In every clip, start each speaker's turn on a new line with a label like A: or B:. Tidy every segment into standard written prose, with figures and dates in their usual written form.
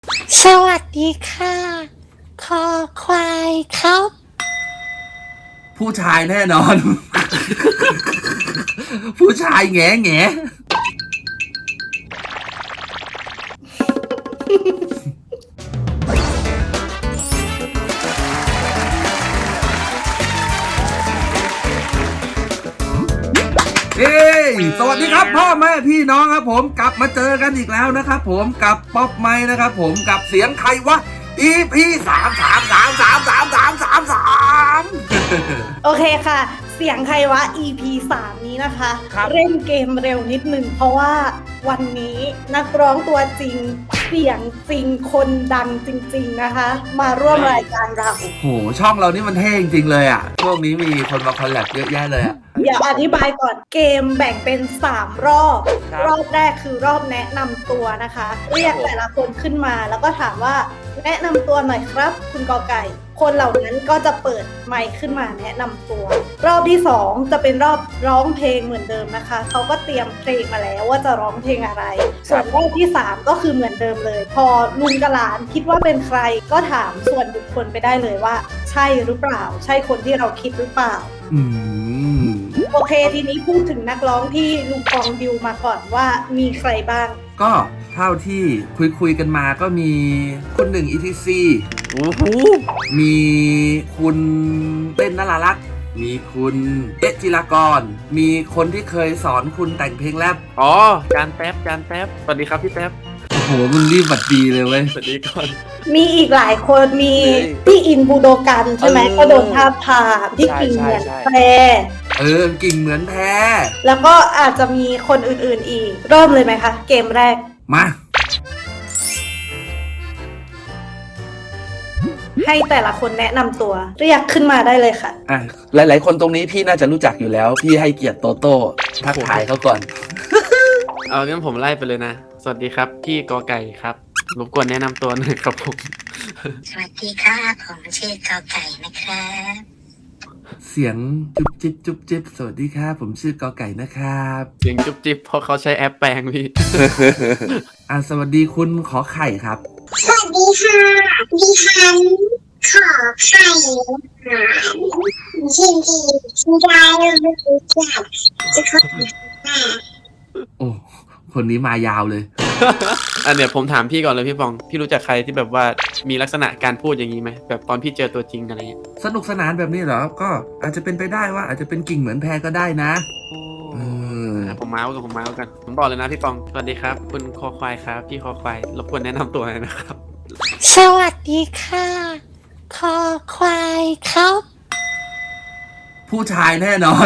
A: สวัสดีค่ะคอควายครับ
B: ผู้ชายแน่นอน ผู้ชายแง่แง่เฮ้ยสวัสดีครับพ่อแม่พี่น้องครับผมกลับมาเจอกันอีกแล้วนะครับผมกับป๊อปไมค์นะครับผมกับเสียงใครวะ EP 3
C: โอเคค่ะ เสียงใครวะ EP 3 นี้นะคะ เล่นเกมเร็วนิดนึงเพราะว่าวันนี้นักร้องตัวจริงเสียงจริงคนดังจริงๆนะคะ มาร่วมรายการเรา
B: โหช่องเรานี่มันเท่จริงๆเลยอ่ะช่วงนี้มีคนมาคอลแลบเยอะแยะเลยอ่ะ
C: เดี๋ยวอธิบายก่อนเกมแบ่งเป็น3รอบรอบแรกคือรอบแนะนำตัวนะคะ เรียกแต่ละคนขึ้นมาแล้วก็ถามว่าแนะนำตัวหน่อยครับคุณกอไก่คนเหล่านั้นก็จะเปิดไมค์ขึ้นมาแนะนำตัว รอบที่2จะเป็นรอบร้องเพลงเหมือนเดิมนะคะเขาก็เตรียมเพลงมาแล้วว่าจะร้องเพลงอะไร ส่วนรอบที่3ก็คือเหมือนเดิมเลย พอลุงกับหลานคิดว่าเป็นใครก็ถามส่วนบุคคลไปได้เลยว่า ใช่หรือเปล่า ใช่คนที่เราคิดหรือเปล่า
B: อืม
C: โอเคทีนี้พูดถึงนักร้องที่ลุงปองดิวมาก่อนว่ามีใครบ้าง
B: ก็เท่าที่คุยกันมาก็มีคุณหนึ่ง ETC
D: โอ้โห
B: มีคุณเต้นนรารักษ์มีคุณเอ๊ะจิรากร มีคนที่เคยสอนคุณแต่งเพลงแรป
D: อ๋อจานแป๊บสวัสดีครับพี่แป๊บ
B: โอ้โหมึงรีบบัดดีเลยเว้ย
D: สวัสดีก่อน
C: มีอีกหลายคนมี
D: เฮ้ย
C: พี่อินบูโดกันใช่ไหม
D: เออ
C: ก็โดนท้าบทามที่
D: ใช่
C: กิ่งเหมือน
D: ใช่
C: แพร
B: กิ่งเหมือนแท้
C: แล้วก็อาจจะมีคนอื่นๆอีก เริ่มเลยไหมคะ เกมแรก
B: มา
C: ให้แต่ละคนแนะนำตัว เรียกขึ้นมาได้เลยค่ะ
B: อ่ะหลายๆ คนตรงนี้พี่น่าจะรู้จักอยู่แล้ว พี่ให้เกียรติโตโต้ทักทายเขาก่อน
D: เอางั้นผมไล่ไปเลยนะ สวัสดีครับพี่กอไก่ครับรบกวนแนะนำตัวหน่อยครับผม
A: สวัสดีค่ะผมชื่อกอไก่นะครับ
B: เสียงจุ๊บจิ๊บจุ๊บจิ๊บสวัสดีครับผมชื่อกอไก่นะครับ
D: เสียงจุ๊บจิ๊บเพราะเขาใช้แอปแปลงพี่
B: สวัสดีคุณขอไข่ครับ
A: สวัสดีค่ะดิฉันขอไข่ยินดีที่ได้รู้จักจะขอ
B: โอ้คนนี้มายาวเลย
D: อันเนี้ยผมถามพี่ก่อนเลยพี่ปอง พี่รู้จักใครที่แบบว่ามีลักษณะการพูดอย่างนี้ไหมแบบตอนพี่เจอตัวจริงอะไรเงี้ย
B: สนุกสนานแบบนี้เหรอ ก็อาจจะเป็นไปได้ว่าอาจจะเป็นกิ่งเหมือนแพรก็ได้นะ เออ
D: ผมเมาส์กันผมบอกเลยนะพี่ปองสวัสดีครับ คุณคอควายครับพี่คอควายรบกวนแนะนำตัวหน่อยนะครับ
A: สวัสดีค่ะคอควายครับ
B: ผู้ชายแน่นอน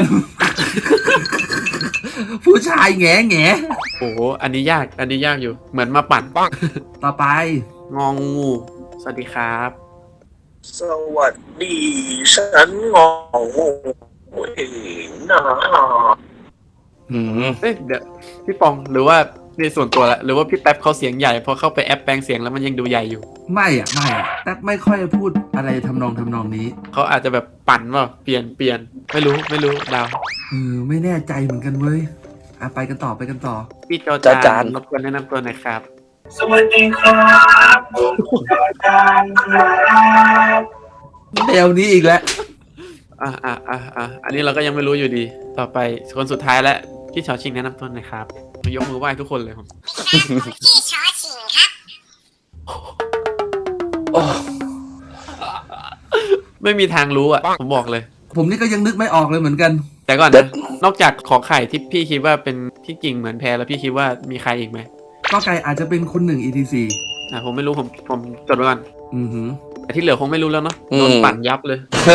B: ผู้ชายแง่แง่
D: โอ้โหอันนี้ยากอยู่เหมือนมาปั่น
B: ต่อไป
D: งองูสวัสดีครับ
E: สวัสดีฉันงองูเองนะ
D: เอ้ยเดี๋ยวพี่ปองหรือว่าในส่วนตัวละหรือว่าพี่แป๊บเขาเสียงใหญ่พอเข้าไปแอปแปลงเสียงแล้วมันยังดูใหญ่อยู่
B: ไม่แต่ไม่ค่อยพูดอะไรทำนองนี้
D: เขาอาจจะแบบปั่นว่าเปลี่ยนไม่รู้ดาว
B: ไม่แน่ใจเหมือนกันเว้ยไปกันต่อ
D: พี่จอ
E: จอ
D: จา
E: จาน น
D: รบกวนแนะนำตัวหน่อยครับ
E: สวัสดีครับผมอาจารย์ครับ
B: แนวนี้อีกแล้ว
D: อันนี้เราก็ยังไม่รู้อยู่ดี ต่อไปคนสุดท้ายแล้วพี่ชอชิงแนะนำตัวหน่อยครับยกมือไหว้ทุกคนเลยผม
A: พี่ชอชิงครับ
B: โอ้
D: ไม่มีทางรู้อ่ะผมบอกเลย
B: ผมนี่ก็ยังนึกไม่ออกเลยเหมือนกัน
D: แต่ก่อนนะนอกจากขอไข่ที่พี่คิดว่าเป็นพี่กิ่งเหมือนแพรแล้วพี่คิดว่ามีใครอีกไหม
B: ก็ไก่อาจจะเป็นคุณหนึ่ง ETC
D: ผมไม่รู้ผมจดไว้ก่อน
B: อือหือ
D: แต่ที่เหลือคงไม่รู้แล้วเนาะโดนปั่นยับเลย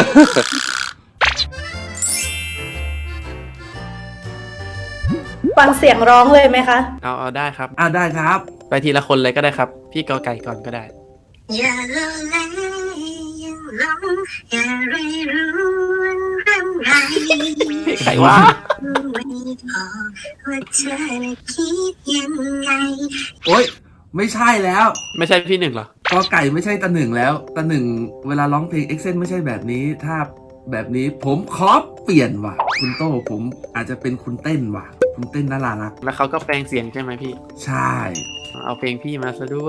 C: ฟังเสียงร้องเลยไหมคะ
D: เอาได้ครับ
B: ได้ครับ
D: ไปทีละคนเลยก็ได้ครับ พี่กอไก่ก่อนก็ได้
A: อย่าโลเลอย่าหลงอย่าเรรู้วันรำไร
D: ใครวะ
A: ไม่พอว่าเธอน่ะคิดยังไง
B: โอ๊ยไม่ใช่แล้ว
D: ไม่ใช่พี่หนึ่งเหรอ
B: กอไก่ไม่ใช่ตาหนึ่งแล้วตาหนึ่งเวลาร้องเพลงเอ็กเซนไม่ใช่แบบนี้ ถ้าแบบนี้ผมขอเปลี่ยนว่ะ คุณโต้ผมอาจจะเป็นคุณเต้นว่ะ คุณเต้นน่ารัก
D: แล้วเขาก็แปลงเสียงใช่ไหมพี่
B: ใช่
D: เอาเพลงพี่มาซะด้วย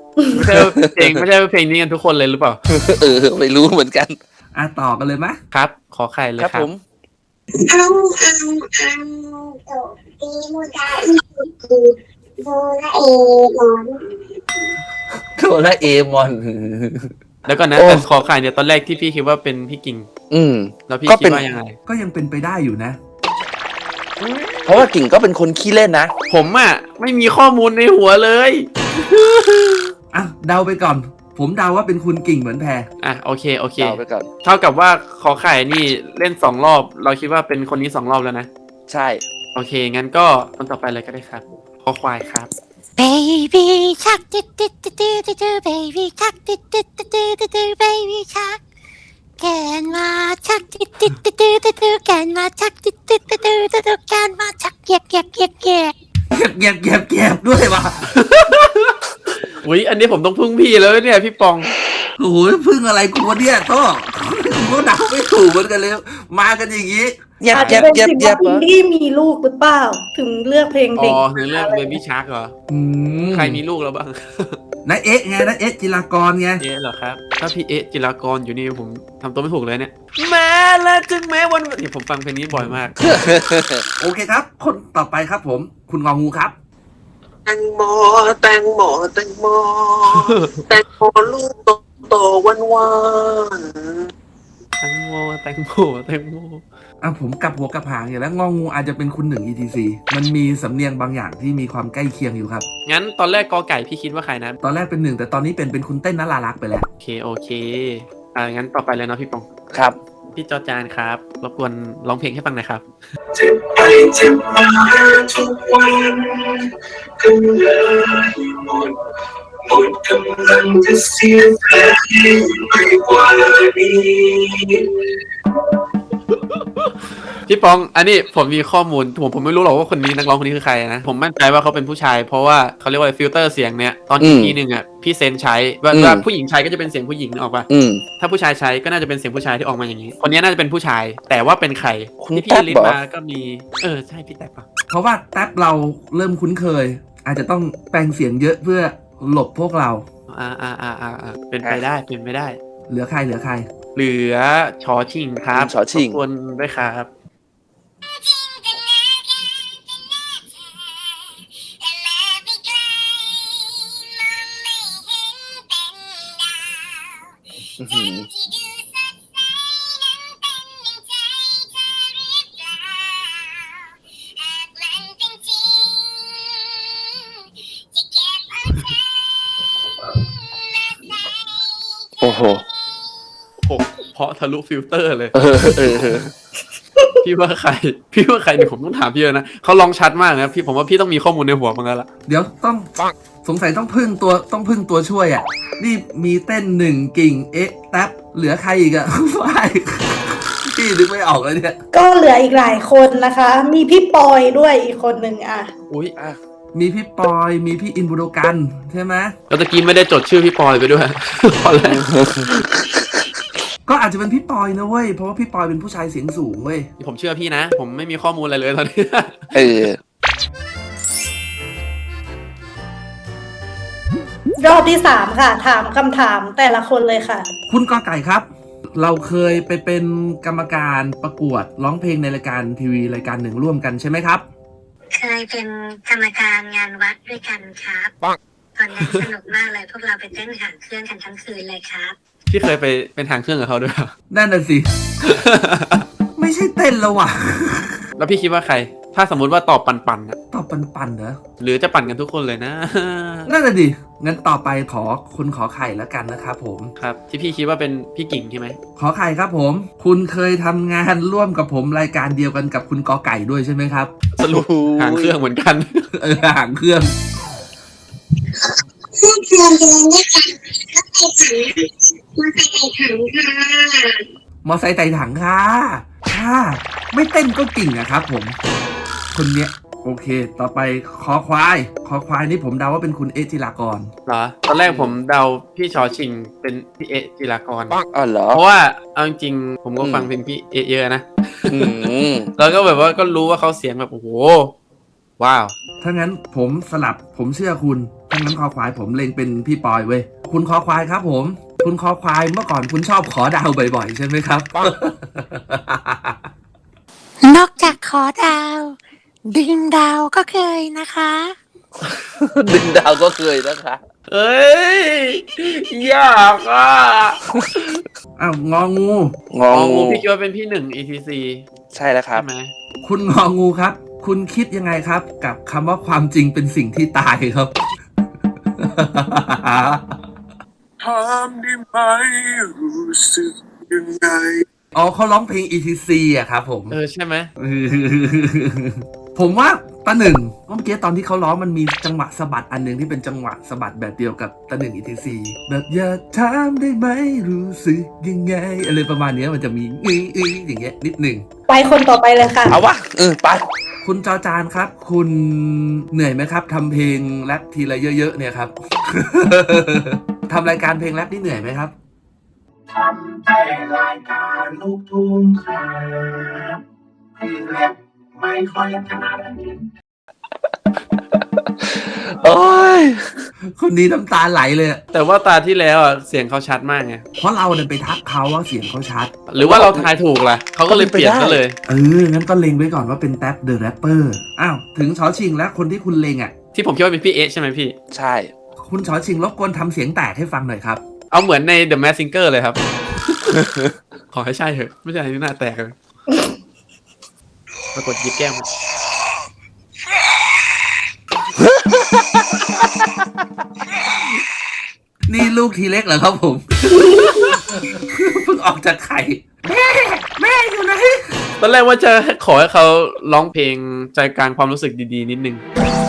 D: ไม่ใช่เพลงนี้กันทุกคนเลยหรือเปล่า
F: ไม่รู้เหมือนกัน
B: ต่อกันเลยไหม
D: ครับ ขอไข่เลย
F: ครับ
D: ครั
F: ผ
D: บ
F: ม
A: เอาโตตีมูดาอีโดราเอมอน
F: โดราเอมอน
D: แล้วก็นะ
F: โอ้
D: แต่ขอไข่เนี่ยตอนแรกที่พี่คิดว่าเป็นพี่กิ่ง
F: อืม
D: แล้วพี่
F: ก็
D: คิ
F: เป็
D: ด
F: น
D: ว่ายังไง
B: ก็ยังเป็นไปได้อยู่นะ
F: เพราะว่ากิ่งก็เป็นคนขี้เล่นนะ
D: ผมอะไม่มีข้อมูลในหัวเลย
B: เดาไปก่อน ผมเดาว่าเป็นคุณกิ่งเหมือนแพร
D: โอเค
F: เดาไปก่อน
D: เท่ากับว่าขอไข่นี่เล่น2 รอบ เราคิดว่าเป็นคนนี้2 รอบแล้วนะ
F: ใช่
D: โอเค งั้นก็คนต่อไปเลยก็ได้ครับขอควายครับ
G: Baby shark do do do do do do baby shark do do do do do do baby shark แกนมาชักดิดดิดดิดดิดดิดแกนมาชักดิดดิดดิดดิดแกนมาชักเกียกเกียกเกียกเกียก
B: เก็บด้วยว่ะ
D: อุ๊ย อันนี้ผมต้องพึ่งพี่แล้วเนี่ยพี่ปอง
B: โอ้โหพึ่งอะไรกูวะเนี่ยโต้กูก็เดาไม่ถูกเหมือนกันเลย มากันอย่างนี้
F: เย็บ
C: อาจ
F: เย็
C: จะ
F: บ
C: เป็น
F: เย็บ
C: สิ่ง
F: เย็
C: ว่า
F: บ
C: อินดี้มีลูกหรือเปล่า ถึงเลือกเพลง
D: อ๋
C: เด็ก
D: อในเรื่อง Baby Shark เหรอ ใครมีลูกแล้วบ้าง
B: นะเอ๊ะไงนะเอ๊ะจิรากรไง
D: เอ๊ะเหรอครับ ถ้าพี่เอ๊ะจิรากรอยู่นี่ผมทำตัวไม่ถูกเลยเนี่ยแม้และจึงแม้วันเนี่ยผมฟังเพลงนี้บ่อยมาก
B: โอเคครับ คนต่อไปครับผม คุณงองูครับ
E: แตงโมแตงโมแตงโมแตงโมลูกโตหวาน
D: แตงโมแตงโมแตงโม
B: ผมกลับหัวกลับหางอย่างแล้วงองูอาจจะเป็นคุณหนึ่ง etc มันมีสำเนียงบางอย่างที่มีความใกล้เคียงอยู่ครับ
D: งั้นตอนแรกกอไก่พี่คิดว่าใครนะ
B: ตอนแรกเป็นหนึ่งแต่ตอนนี้เป็นคุณเต้นนรารักษ์ไปแล้ว
D: โอเคงั้นต่อไปเลยเนาะพี่ปอง
F: ครับ
D: พี่จอจานครับ รบกวนร้องเพลงให้ฟังหน่อยครับ
E: ๆเจ็บไปเจ็บมาทุกวันกำลังหมดกำลังจะเสียใจไม่กว่านี้
D: พี่ปอง อันนี้ผมมีข้อมูลผมไม่รู้หรอกว่าคนนี้นักร้องคนนี้คือใครนะ ผมมั่นใจว่าเขาเป็นผู้ชาย เพราะว่าเขาเรียกว่าฟิลเตอร์เสียงเนี่ยตอนอีพีหนึ่งอ่ะพี่เซนใช้ว่าผู้หญิงใช้ก็จะเป็นเสียงผู้หญิงนึกออกปะ
F: อืม
D: ถ้าผู้ชายใช้ก็น่าจะเป็นเสียงผู้ชายที่ออกมาอย่างนี้ คนนี้น่าจะเป็นผู้ชาย แต่ว่าเป็นใคร
F: คุณ
D: ที่พี่
F: แท็บ
D: ลิส
F: เหรอ
D: ต์มาก็มีใช่พี่แท็บปะ
B: เพราะว่าแท็บเราเริ่มคุ้นเคย อาจจะต้องแปลงเสียงเยอะเพื่อหลบพวกเรา
D: เป็นไปได้เป็นไปได้
B: เหลือใคร
D: เหลือชอชิงครับ
F: ชอชิง
D: รบกวนด้วยครับ
F: อื้อหือโอ้โห
D: เพราะทะลุฟิลเตอร์เลย
F: เออ
D: พี่ว่าใครเนี่ยผมต้องถามพี่เลยนะเขาลองชัดมากนะผมว่าพี่ต้องมีข้อมูลในหัวมั้งแล้วล่ะ
B: เดี๋ยวต้องสงสัยต้องพึ่งตัวช่วยอ่ะ นี่มีเต้นหนึ่งกิ่งเอ๊ะแท็บเหลือใครอีกอ่ะ ไม่พี่นึกไม่ออกเลยเนี่ย
C: ก็เหลืออีกหลายคนนะคะ มีพี่ปอยด้วยอีกคนหนึ่งอ่ะ
D: อุ้ย
B: มีพี่ปอยมีพี่อินบุโดกันใช่ไหม
D: แล้วตะกี้ไม่ได้จดชื่อพี่ปอยไปด้วย ตอนแรก
B: ก็อาจจะเป็นพี่ปอยนะเว้ย เพราะว่าพี่ปอยเป็นผู้ชายเสียงสูงเว้ย
D: ผมเชื่อพี่นะ ผมไม่มีข้อมูลอะไรเลยตอนนี้
F: เออ
C: รอบที่ 3 ค่ะ ถามคำถามแต่ละคนเลยค่ะ
B: คุณกอไก่ครับ เราเคยไปเป็นกรรมการประกวดร้องเพลงในรายการทีวีรายการหนึ่งร่วมกันใช่ไหมครับ
A: เคยเป็นกรรมการงานวัดด้วยกันครับตอนนั้นสนุกมากเลยพวกเราไปเต้นหางเครื่องกันทั้งคืนเลยครับ
D: พี่เคยไปเป็นทางเครื่องกับเขาด้วยเหรอ
B: นั่นน่ะสิ ไม่ใช่เต้นแล้วว่ะ
D: แล้วพี่คิดว่าใคร ถ้าสมมุติว่าตอบปั่นๆอะ
B: ตอบปันๆเหรอ
D: หรือจะปั่นกันทุกคนเลยนะ
B: นั่นน่ะดิ งั้นต่อไปขอคุณขอไข่แล้วกันนะครับผม
D: ครับ ที่พี่คิดว่าเป็นพี่กิ่งใช่ไหม
B: ขอไข่ครับผม คุณเคยทำงานร่วมกับผมรายการเดียวกันกับคุณกอไก่ด้วยใช่ไหมครับ
D: สรุปหางเครื่องเหมือนกัน
B: หางเครื่อง
A: เพื่อนเพื่อนเลยนะคะก็ไปถังมาใส่ไข่ถังค่ะ
B: มอไซค์ไต่ถังค่ะค่ะ ไม่เต้นก็กิ่งอะครับผม คนเนี้ย โอเค ต่อไปคอควายนี่ผมเดาว่าเป็นคุณเอจิรากร
D: เหรอ ตอนแรกผมเดาพี่ชอชิงเป็นพี่เอะจิรากร
F: อ๋อเหรอ
D: เพราะว่าเอาจริงๆผมก็ฟังเพลงพี่เอะเยอะนะ
F: อืม
D: แล้วก็แบบว่าก็รู้ว่าเขาเสียงแบบโอ้โห ว้าว
B: ถ้างั้นผมสลับผมเชื่อคุณ ถ้างั้นคอควายผมเล็งเป็นพี่ปอยเว้ยคุณคอควายครับผม คุณคอควายเมื่อก่อนคุณชอบขอดาวบ่อยๆใช่ไหมครับ
G: นอกจากขอดาว ดึงดาวก็เคยนะคะ
F: ดึงดาวก็เคยนะคะ
D: เอ้ยยากอ่ะ
B: อ้าวงองู
F: งองู
D: พี่คิดว่าเป็นพี่หนึ่ง ETC
F: ใช่แล้วครับ
D: ใช่ไหม
B: คุณงองูครับ คุณคิดยังไงครับ กับคำว่าความจริงเป็นสิ่งที่ตายครับ
E: ถามได้ไหมรู้สึกยังไง
B: อ๋อเขาร้องเพลง ETC อะครับผม
D: ใช่ไหม
B: ผมว่าตาหนึ่งเมื่อกี้ตอนที่เขาร้องมันมีจังหวะสะบัดอันหนึ่งที่เป็นจังหวะสะบัดแบบเดียวกับตาหนึ่ง ETC แบบอย่าถามได้ไหมรู้สึกยังไงอะไรประมาณเนี้ยมันจะมีอย่างเงี้ยนิดหนึ่ง
C: ไปคนต่อไปเลยค่ะ
F: เอาวะไป
B: คุณจอจานครับ คุณเหนื่อยไหมครับทำเพลงแรปทีละเยอะๆเนี่ยครับ ทำรายการเพลงแรปนี่เหนื่อยไหมครับ
E: ทำแต่รายการลูกทุ่งครับพี่เล็บไม่ค่อยถนัด
F: โอ้ย
B: คนนี้น้ำตาไหลเลยอะ
D: แต่ว่าตาที่แล้วอ่ะเสียงเขาชัดมากไง
B: เพราะเราเนี่ยไปทักเขาว่าเสียงเขาชัด
D: หรือว่าเราทายถูกล่ะเขาก็เลยเปลี่ยนซะเลย
B: งั้นก็เล็งไว้ก่อนว่าเป็นแท็บเดอะแรปเปอร์อ้าวถึงชอชิงแล้วคนที่คุณเล็งอ่ะ
D: ที่ผมคิดว่าเป็นพี่เอใช่ไหมพี่
F: ใช่
B: คุณชอชิงรบกวนทำเสียงแตกให้ฟังหน่อยครับ
D: เอาเหมือนใน The Masked Singer เลยครับ ขอให้ใช่เถอะไม่ใช่ที่หน้าแตกเลยปรากฏหยิบแก้มมา
B: นี่ลูกทีเล็กเหรอครับผม เพิ่งออกจากไข่ แม่อยู่ไหน
D: ตอนแรกว่าจะขอให้เขาร้องเพลงใจกลางความรู้สึกดีๆนิดนึง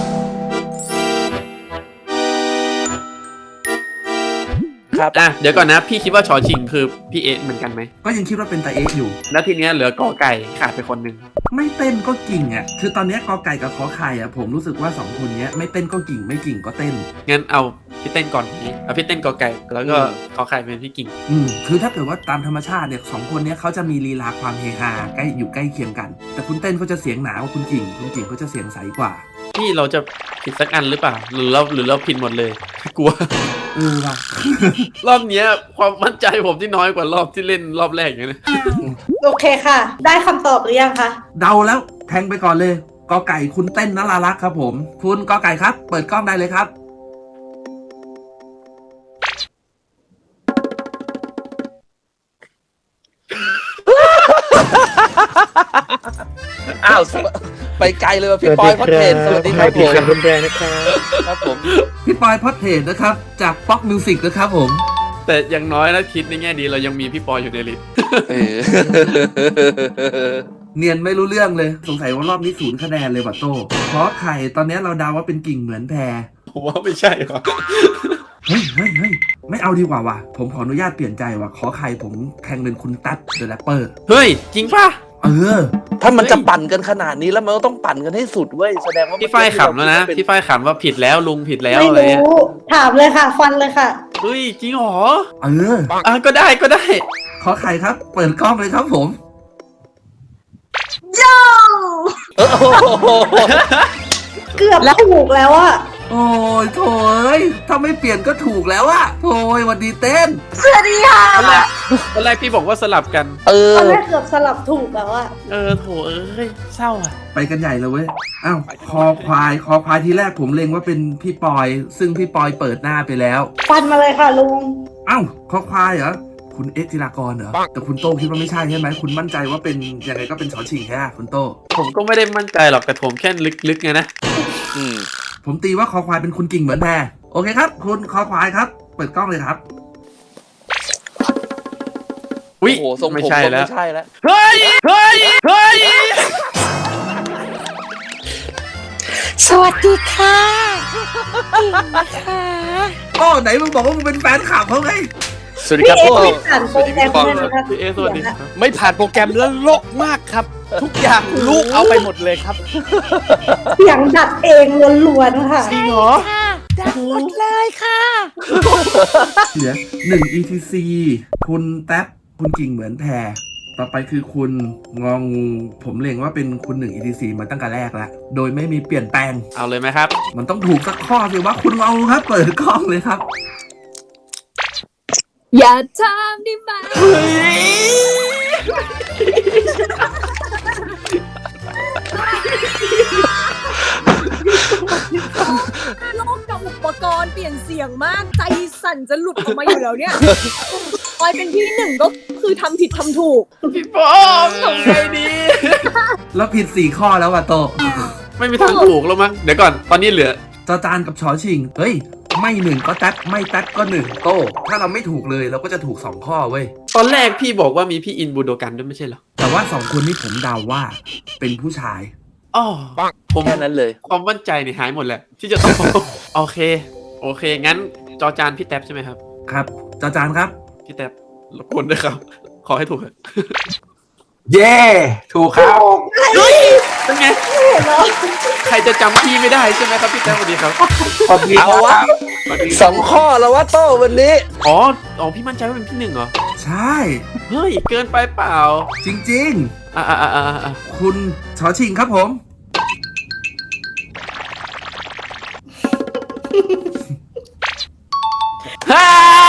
F: ครับ
D: เดี๋ยวก่อนนะ พี่คิดว่าชอชิงคือพี่เอเหมือนกันไหม
B: ก็ยังคิดว่าเป็นตาเอ๊ะอยู่
D: แล้วทีเนี้ยเหลือกอไก่ขาดไปคนหนึ่ง
B: ไม่เต้นก็กิ่งอ่ะ คือตอนเนี้ยกอไก่กับขอไข่อ่ะผมรู้สึกว่า2คนเนี้ยไม่เต้นก็กิ่งไม่กิ่งก็เต้น
D: งั้นเอาพี่เต้นก่อนพี่เอาพี่เต้นกอไก่แล้วก็กอไข่เป็นพี่กิ่ง
B: คือถ้าเกิดว่าตามธรรมชาติเนี่ย2คนเนี้ยเขาจะมีลีลาความเฮฮาใกล้อยู่ใกล้เคียงกัน แต่คุณเต้นเขาจะเสียงหนากว่าคุณกิ่งเขาจะเสียงใสกว่า
D: พี่เราจะผิดสักอันหรือเปล่าหรือเราผิดหมดเลย กลัว
B: ว่ะ
D: รอบเนี้ยความมั่นใจผมที่น้อยกว่ารอบที่เล่นรอบแรกอย่างนี้นะ
C: โอเคค่ะ ได้คำตอบหรือยังคะ
B: เดาแล้วแทงไปก่อนเลยกอไก่คุณเต้นนรารักษ์ครับผม คุณกอไก่ครับ เปิดกล้องได้เลยครับ
F: อ้าวไปไกลเลยว่ะพี่ปอยพอดเทนสวัสดีครับผม
H: รุนแรงนะครับ
F: ครับผม
B: พี่ปอยพอดเทสนะครับ จากป๊อกมิวสิกนะครับผม
D: แต่อย่างน้อยนะคิดในแง่ดีเรายังมีพี่ปอยอยู่ในลิสต์
F: เออ
B: เนียนไม่รู้เรื่องเลย สงสัยว่ารอบนี้0 คะแนนเลยบัตโต้เพราะไข่ตอนนี้เราเดาว่าเป็นกิ่งเหมือนแพร
D: ผมว่าไม่ใช่หรอก
B: เฮ้ยไม่เอาดีกว่าว่ะผมขออนุญาตเปลี่ยนใจว่ะขอไข่ผมแทงเป็นคุณตั๊ดเดอะแรปเปอร์
D: เฮ้ย จริงป่ะ
F: ถ้ามันจะปั่นกันขนาดนี้แล้วมันก็ต้องปั่นกันให้สุดเว้ยแสดงว่า
D: พี่ฝ้ายขำแล้วนะ พี่ฝ้ายขำว่าผิดแล้วลุงผิดแล้ว
C: ไม่
D: อะไรเงี้ย
C: รู้ ถามเลยค่ะ ฟันเลยค่ะ
D: เฮ้ย จริงเหรอ ก็ได้
B: ขอไข่ครับ เปิดกล้องเลยครับผม
F: โอ้โห
C: เกือบถูกแล้วอะ
B: โอ้ยโถยถ้าไม่เปลี่ยนก็ถูกแล้วอะโถยวันดีเต้น
C: สวัสดีค่ะ
D: ตอนแรกพี่บอกว่าสลับกัน
C: ตอนแรกเกือบสลับถูกแล้วอะ
D: โถเอ้ยเศร้าอ่ะ
B: ไปกันใหญ่เลยเว้ย อ้าว คอควายทีแรกผมเล็งว่าเป็นพี่ปอย ซึ่งพี่ปอยเปิดหน้าไปแล้ว
C: ฟันมาเลยค่ะลุง
B: อ้าวคอควายเหรอ คุณเอ็กซ์จิรากรเหรอ แต่คุณโต้คิดว่าไม่ใช่ใช่ไหม คุณมั่นใจว่าเป็นยังไงก็เป็นชอชิงแค่คุณโต้
D: ผมก็ไม่ได้มั่นใจหรอกแต่ผมแค่ลึกๆไงนะ
F: อืม
B: ผมตีว่าคอควายเป็นคุณกิ่งเหมือนแพรโอเคครับ คุณคอควายครับ เปิดกล้องเลยครับ
D: อุ้ย
F: โอ้โหทรงผม
D: ไม่ใช่แล้ว
F: ไม่ใช่แล้ว
D: เฮ้ย
G: สวัสดีค่ะกิ่งนะคะ
B: โอ้ไหนมึงบอกว่ามึงเป็นแฟนคลับเขาไง
H: สวัสดี
C: พี่
H: ครับ
C: เอ
H: พวก
C: ไม่ผ่านโปรแกรมเลยนะคะ
D: พี่เอสวัสดีครับ
H: ไม่ผ่านโปรแกรมแล้วโลกมากครับ ทุกอย่างลูกเอาไปหมดเลยครับ
C: เสียงดัดเองล้วนๆค่ะ
H: จริงเหรอ
G: ค่ะดังหมดเลยค่ะ
B: เหลือ1 ETC คุณแท็บคุณกิ่งเหมือนแพรตต่อไปคือคุณงองูผมเล็งว่าเป็นคุณ1 etc มาตั้งแต่แรกแล้วโดยไม่มีเปลี่ยนแปลง
D: เอาเลยไหมครับ
B: มันต้องถูกสักข้อสิว่าคุณงองูครับ เปิดกล้องเลยครับ
I: อย่าทำได้ไหมโลกกับอุปกรณ์เปลี่ยนเสียงมากใจสั่นจะหลุดออกมาอยู่แล้วเนี่ยปอยเป็นที่หนึ่งก็คือทำผิดทำถูก
D: พี่ปอมทำไงดี
B: แล้วผิด4ข้อแล้วว่ะโต
D: ไม่มีทางถูกแล้วมั้งเดี๋ยวก่อนตอนนี้เหลือ
B: จอจานกับชอชิงเฮ้ยไม่1ก็แท็บไม่แท็บก็1โตถ้าเราไม่ถูกเลยเราก็จะถูก2ข้อเว้ย
D: ตอนแรกพี่บอกว่ามีพี่อินบูโดกันด้วยไม่ใช่เหรอ
B: แต่ว่า2คนนี้ผมเดาว่าเป็นผู้ชาย
D: อ๋อผม
F: แค่นั้นเลย
D: ความมั่นใจเนี่ยหายหมดแหละที่จะต้อง โอเคงั้นจอจานพี่แท็บใช่ไหมครับ
B: ครับจอจานครับ
D: พี่แท็บรบกวนด้วยครับ ขอให้ถูกเถอะ
E: เย้ถูกครับ
D: เป็นไงใครจะจำพี่ไม่ได้ใช่ไหมครับพี่แท็บสวัสดีครับ
E: ขอบคุณ
F: เอาวะ 2 ข้อแล้ววะโต้วันนี้
D: อ๋อพี่มั่นใจว่าเป็นพี่หนึ่งเหรอ
B: ใช่
D: เฮ้ยเกินไปเปล่า
B: จริง
D: อ่า
B: ๆ คุณชอชิงครับผม
D: ฮ่า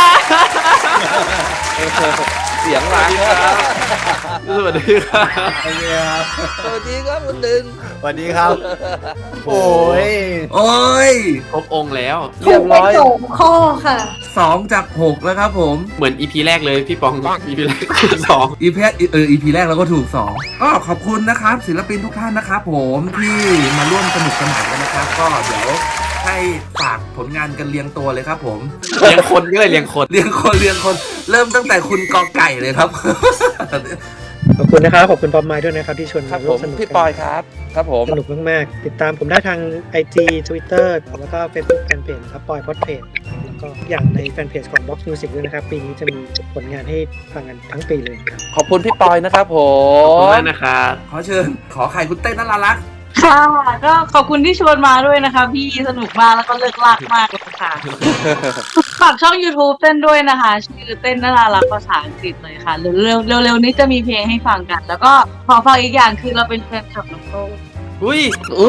F: เสียงหลัง
D: สวัสดีครับ
F: สวัสดีครับคุณดึง
H: สวัสดีครับ โอ้ย
B: โอ้ย
D: ครบองค์แล้ว
F: เรียบร้อย
C: ถูกไป2ข้อค่ะ
B: 2 จาก 6 แล้วครับผม
D: เหมือน EP แรกเลยพี่ปอง EP แรกสอง
B: EP แรกเราก็ถูก 2 ก็ขอบคุณนะครับศิลปินทุกท่านนะครับผมที่มาร่วมสนุกสนานกันนะครับ ก็เดี๋ยวให้ฝากผลงานกันเรียงตัวเลยครับผม
D: เลี้ยงคนก็เลยเลี้ยงคน
B: เรียงคนเริ่มตั้งแต่คุณกอไก่เลยครับ
J: ขอบคุณนะครับขอบคุณพอมไมค์ด้วยนะครับที่ชวน
F: ครั
J: มา
F: บ
J: ร่
F: ผ
J: ว
F: ม
J: มสนุก
F: พี่
J: กัน
F: ปอยครับ ครับผม
J: สนุกมากๆติดตามผมได้ทาง IG Twitter แล้วก็ Facebook Fanpage ครับปอยพอดเพจแล้วก็อย่างในแฟนเพจของ Box Music ด้วยนะครับ ปีนี้จะมีผลงานให้ฟังกันทั้งปีเลยครับ
F: ขอบคุณพี่ปอยนะครับผ
D: ขอบคุณ
F: ม
D: มากนะครับ
B: ขอเชิญขอไข่คุณเต้นน่ารัก
I: ค่ะก็ขอบคุณที่ชวนมาด้วยนะคะพี่สนุกมากแล้วก็เลิกลากมากเลยค่ะ ฝากช่อง YouTube เต้นด้วยนะคะ ชื่อเต้นน่ารักภาษาอังกฤษเลยค่ะเร็วนี้จะมีเพลงให้ฟังกัน แล้วก็ขอฝากอีกอย่างคือเราเป็นแฟนคลับน้องโต้
D: อุ้ย
F: อู้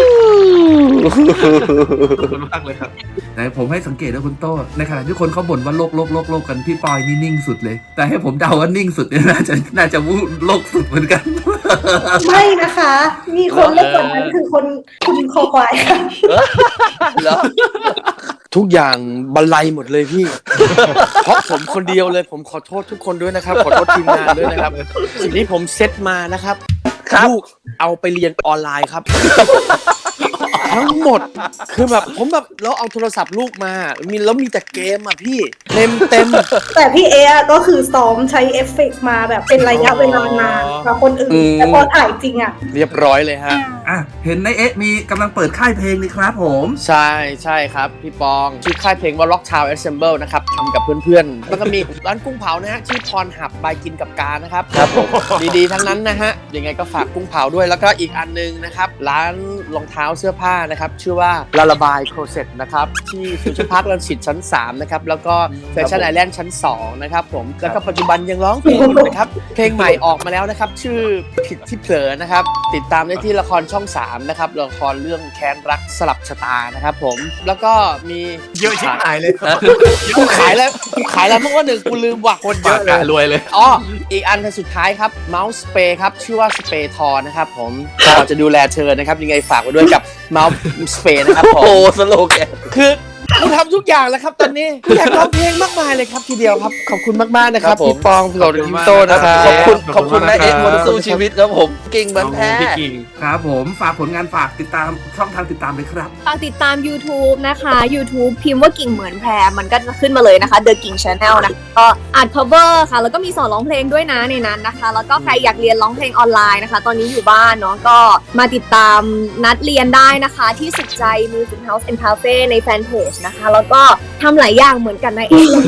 D: ขอบคุณมากเลยครับ
B: ๆแต่ผมให้สังเกตนะคุณโต้ในขณะที่คนเขาบ่นว่าโลกกันพี่ปอยนี่นิ่งสุดเลย แต่ให้ผมเดาว่านิ่งสุดเนี่ยน่าจะวูโลกสุดเหมือนกัน
C: ไม่นะคะ มีคนเล่นกว่านั้นคือคุณคอควายค่ะ
F: เหรอ
H: ทุกอย่างบรรลัยหมดเลยพี่ เพราะผมคนเดียวเลยผมขอโทษทุกคนด้วยนะครับ ขอโทษทีมงานด้วยนะครับ สิ่งที่ผมเซตมานะครับ
F: ครับ
H: ลูกเอาไปเรียนออนไลน์ครับ ทั้งหมดคือแบบผมแบบเราเอาโทรศัพท์ลูกมาแล้วมีแต่เกมอ่ะพี่เต็ม
C: แต่พี่เอะก็คือซ้อมใช้เอฟเฟกต์มาแบบเป็นระยะเวลานานกว่าคนอื่น แต่พอถ่ายจริงอ่ะ
H: เรียบร้อยเลยฮะ
B: อ่ะเห็นในมีกำลังเปิดค่ายเพลงนี่ครับผม
H: ใช่ครับ พี่ปองชื่อค่ายเพลงว่า Rock Town Ensemble นะครับทำกับเพื่อนๆ แล้วก็มีร้านกุ้งเผานะฮะชื่อพรหับบายกินกับกานะครับ
F: ครับผม
H: ดีๆ ทั้งนั้นนะฮะ ยังไงก็ฝากกุ้งเผาด้วยแล้วก็อีกอันนึงนะครับ ร้านรองเท้าเสื้อผ้านะครับ ชื่อว่าลาลาบายโครเซ็ตนะครับ ที่ฟิวเจอร์พาร์ครังสิตชั้น 3 นะครับ แล้วก็แฟชั่นไอแลนด์ชั้น 2 นะครับผมแล้วก็ปัจจุบันยังร้องเพลงอยู่นะครับ เพลงใหม่ออกมาแล้วนะครับ ชื่อผิดที่เผลอนะครับ ติดตามได้ที่ละครช่อง 3 นะครับละครเรื่องแค้นรักสลับชะตานะครับผมแล้วก็มีเยอะชิบหายเลยกูขายแล้วเมื่อวันหนึ่งกูลืมว่ะ
D: คนเยอะเลยรวยเลย
H: อ๋ออีกอันสุดท้ายครับเมาส์สเปรย์ครับชื่อว่าสเปรย์ทอนะครับผมเราจะดูแลเธอนะครับยังไงฝากไว้ด้วยกับเมาส์สเปรย์นะครับผม
F: โอ้สโลแกน
H: คือกูทำทุกอย่างแล้วครับตอนนี้อยากร้องเพลงมากมายเลยครับทีเดียวครับขอบคุณมากๆนะครับพี่ปองพี่โรดพี่โตนะครับ
F: ขอบคุณนะเอ็กซ์คนสู้ชีวิตครับผมกิ่งเหมือนแพ้
D: พี่กิ่ง
B: ครับผมฝากผลงานฝากติดตามช่องทางติดตามเลยครับ
I: ฝากติดตาม YouTube นะคะ YouTube พิมพ์ว่ากิ่งเหมือนแพรมันก็จะขึ้นมาเลยนะคะ The Ging Channel นะก็อัด cover ค่ะ แล้วก็มีสอนร้องเพลงด้วยนะในนั้นนะคะ แล้วก็ใครอยากเรียนร้องเพลงออนไลน์นะคะ ตอนนี้อยู่บ้านเนาะก็มาติดตามนัดเรียนได้นะคะที่สุดใจ Music House and Cafe ในแฟนเพจนะคะ แล้วก็ทำหลายอย่างเหมือนกันนะเองนะคะ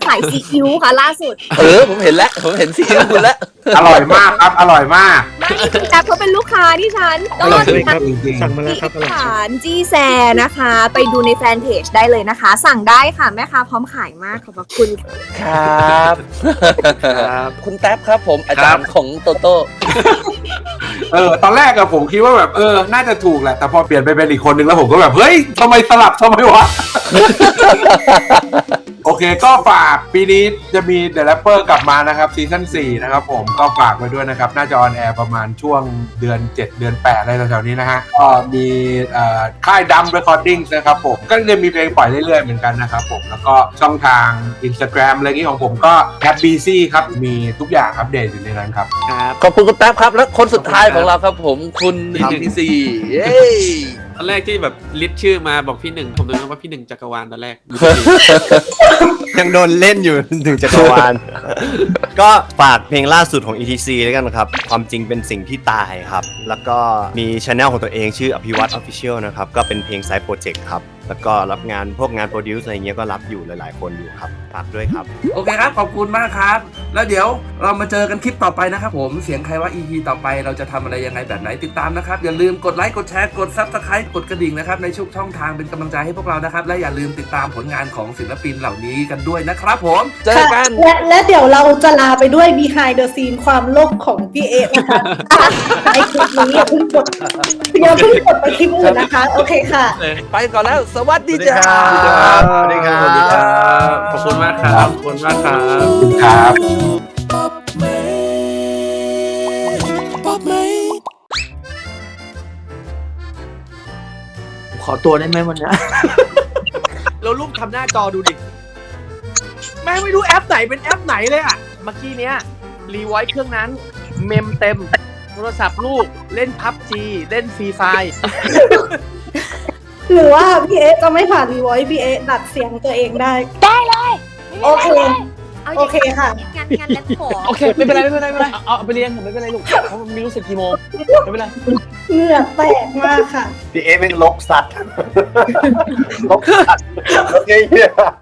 I: ขายซีอิ๊วค่ะล่าสุด
F: ผมเห็นแล้วผมเห็นซีอิ๊วคุณแล้ว
K: อร่อยมากครับอร่อยมาก
I: ไม่คุณแอปเขาเป็นลูกค้าที่ฉัน
J: อร่อยใช่ไหมครับสั่งมาแล้วครับอร่อย
I: ฐานจีแซนะคะ ไปดูในแฟนเพจได้เลยนะคะ สั่งได้ค่ะแม่ค้าพร้อมขายมากขอบพระคุณ
F: ครับ คุณแท็บครับผมอาจารย์ของโตโต้
K: ตอนแรกอะผมคิดว่าแบบน่าจะถูกแหละแต่พอเปลี่ยนไปเป็นอีกคนนึงแล้วผมก็แบบเฮ้ยทำไมสลับทำไมวะ โอเคก็ฝากปีนี้จะมี The Rapper กลับมานะครับซีซั่น4นะครับผมก็ฝากไว้ด้วยนะครับน่าจะออนแอร์ประมาณช่วงเดือน7เดือน8อะไรแถวๆนี้นะฮะก็มีค่ายดัม Recordings นะครับผมก็จะมีเพลงปล่อยเรื่อยๆเหมือนกันนะครับผมแล้วก็ช่องทาง Instagram อะไรอย่างนี้ของผมก็ @bc ครับมีทุกอย่างอัปเดตอยู่ในนั้นครับ
F: ขอบคุณคุณแท็บครับและคนสุดท้ายของเราครับผมคุณ ETC เย้
D: ตอนแรกที่แบบลิสต์ชื่อมาบอกพี่หนึ่งผมนึกว่าพี่หนึ่งจักรวาลตอนแรก
L: ยังโดนเล่นอยู่ถึงจักรวาล ก็ฝากเพลงล่าสุดของ ETC แล้วกันครับความจริงเป็นสิ่งที่ตายครับแล้วก็มีช anel ของตัวเองชื่ออภิวัต Official นะครับก็เป็นเพลงไซด์โปรเจกต์ครับแล้วก็รับงานพวกงานโปรดิวซ์อะไรเงี้ยก็รับอยู่หลายๆคนอยู่ครับฝากด้วยครับ
B: โอเคครับขอบคุณมากครับแล้วเดี๋ยวเรามาเจอกันคลิปต่อไปนะครับผมเสียงใครว่า EP ต่อไปเราจะทำอะไรยังไงแบบไหนติดตามนะครับอย่าลืมกดไลค์กดแชร์กด Subscribe กดกระดิ่งนะครับในทุกช่องทางเป็นกำลังใจให้พวกเรานะครับและอย่าลืมติดตามผลงานของศิลปินเหล่านี้กันด้วยนะครับผมเจอกัน
C: และเดี๋ยวเราจะลาไปด้วย behind the scene ความโลกของพี่เอนะคะในคลิปนี้อย่าเพิ่งกดไปคลิปอื่นนะคะโอเคค่ะ
F: ไปก่อนแล้วสวัสดีจ้า
L: สวัสดีครับ
D: ขอบคุณมากครับขอบคุณมากครับ
K: ขอบคุณครับ
H: ขอตัวได้ไหมวันนี้ เราลูกทำหน้าจอดูดิ แม่งไม่รู้แอปไหนเป็นแอปไหนเลยอ่ะ เมื่อกี้เนี้ยรีไวท์เครื่องนั้น เมมเต็ม โทรศัพท์ลูกเล่นพับจีเล่นฟรีไฟ
C: หรือว่าพี่เอจะไม่ผ่านรีวอยพี่เอดัดเสียงตัวเองได้
G: ได้เลย
C: โอเค โอเคค่ะ
I: งานแล้วขอ
H: โอเคไม่เป็นไรเอาไปเรียนผมไม่เป็นไรลูกเพราะมันไม่รู้สึกกี่โมงไม่เป็นไร
C: เหงื่อแตกมากค่ะ
L: พี่เอเป็นลกสัตว์ ลกสัตว์โอเค